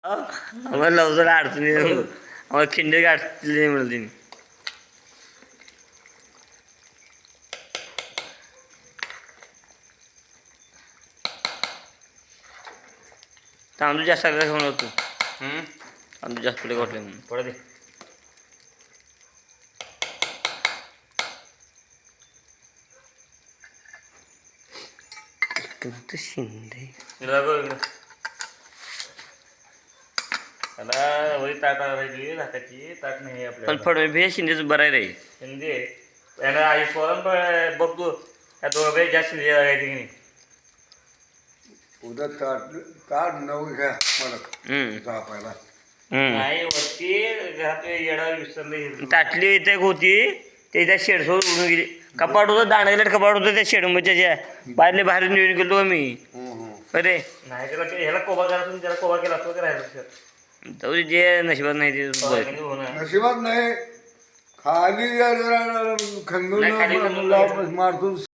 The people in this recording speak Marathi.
आम्हाला लवकर अडचणी आम्हाला खिंडे गाठले म्हणते मी. तांदूळ जास्त खाऊन होतो. तांदूळ जास्त पुढे घातले म्हणून थोडं दे. शिंदे त्याला वरी ताट राहिली झाकाची ताट नाही पण आपल्याला. फडणवीस शिंदेच बरं आहे रे. शिंदे याला आई पोरण बघतो त्या दोघे जास्त शिंदे आहे की नाही. उद्या ताट ताट नऊ घ्या मला जापायला. नाही वरती घरात येडा विसरले. ताटली इथे होती ते त्या शेडसोबत उडून गेली. कपाट होतं दांडगेला कपाट होतं त्या शेडमध्ये बाहेरले बाहेर निवडून गेलो आम्ही. अरे नाही त्याला ह्याला कोबा करायचं त्याला कोबा केला असतो का राहिलं जाऊ दे, जे नशिबात नाही ते नशिबात नाही खाली नाही, खाली खंदून मारतो.